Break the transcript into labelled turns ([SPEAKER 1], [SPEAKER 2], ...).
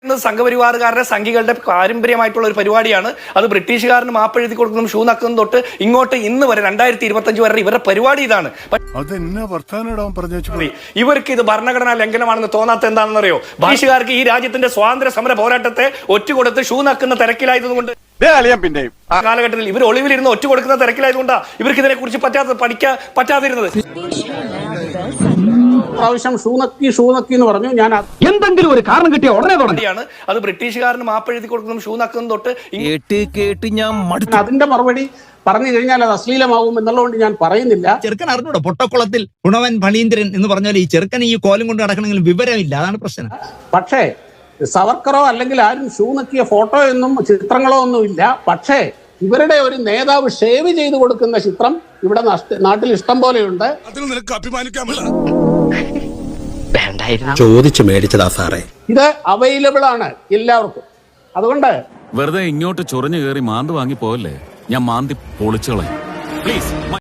[SPEAKER 1] സംഘപരിവാറുകാരുടെ സംഘികളുടെ പാരമ്പര്യമായിട്ടുള്ള ഒരു പരിപാടിയാണ് അത്. ബ്രിട്ടീഷുകാരന് മാപ്പെഴുതി കൊടുക്കുന്നതും ഷൂ നക്കുന്നതും തൊട്ട് ഇങ്ങോട്ട് ഇന്ന് വരെ 2025 വരെ ഇവരുടെ പരിപാടി ഇതാണ്. ഇവർക്ക് ഇത് ഭരണഘടനാ ലംഘനമാണെന്ന് തോന്നാത്ത എന്താണെന്നറിയോ? ബ്രിട്ടീഷുകാർക്ക് ഈ രാജ്യത്തിന്റെ സ്വാതന്ത്ര്യ സമര പോരാട്ടത്തെ ഒറ്റുകൊടുത്ത് ഷൂ നക്കുന്ന തിരക്കിലായതുകൊണ്ട് കാലഘട്ടത്തിൽ ഇവർ ഒളിവിലിരുന്ന് ഒറ്റ കൊടുക്കുന്ന തിരക്കിലായതുകൊണ്ടാണ് ഇവർക്ക് ഇതിനെ കുറിച്ച് പഠിക്കാൻ പറ്റാതിരുന്നത്.
[SPEAKER 2] പ്രാവശ്യം ഷൂ നക്കി എന്ന് പറഞ്ഞു. ഞാൻ
[SPEAKER 3] എന്തെങ്കിലും ഒരു കാരണം കിട്ടിയ ഉടനെ തുടങ്ങിയാണ്
[SPEAKER 1] അത്. ബ്രിട്ടീഷുകാരന് മാപ്പെഴുതി കൊടുക്കുന്നതും ഷൂ നക്കുന്നതും തൊട്ട്
[SPEAKER 3] കേട്ട് ഞാൻ
[SPEAKER 2] അതിന്റെ മറുപടി പറഞ്ഞു കഴിഞ്ഞാൽ അത് അശ്ലീലമാവും എന്നുള്ളതുകൊണ്ട് ഞാൻ പറയുന്നില്ല.
[SPEAKER 4] ചെറുക്കൻ അറിഞ്ഞൂടോ പൊട്ടക്കുളത്തിൽ ഗുണവൻ ഫണീന്ദ്രൻ എന്ന് പറഞ്ഞാൽ ഈ ചെറുക്കൻ ഈ കോലം കൊണ്ട് നടക്കണമെങ്കിലും വിവരമില്ല, അതാണ് പ്രശ്നം.
[SPEAKER 2] പക്ഷേ സവർക്കറോ അല്ലെങ്കിൽ ആരും ഷൂ നക്കിയ ഫോട്ടോ ഒന്നും ചിത്രങ്ങളോ ഒന്നും ഇല്ല. പക്ഷേ ഇവരുടെ ഒരു നേതാവ് ഷേവ് ചെയ്ത് കൊടുക്കുന്ന ചിത്രം ഇവിടെ നാട്ടിൽ ഇഷ്ടം പോലെയുണ്ട്.
[SPEAKER 5] ചോദിച്ചു മേടിച്ചതാ സാറേ.
[SPEAKER 2] ഇത് അവൈലബിൾ ആണ് എല്ലാവർക്കും. അതുകൊണ്ട്
[SPEAKER 6] വെറുതെ ഇങ്ങോട്ട് ചൊറിഞ്ഞു കയറി മാന്ത് വാങ്ങി പോവല്ലേ, ഞാൻ മാന്തി പൊളിച്ചോളാം പ്ലീസ്.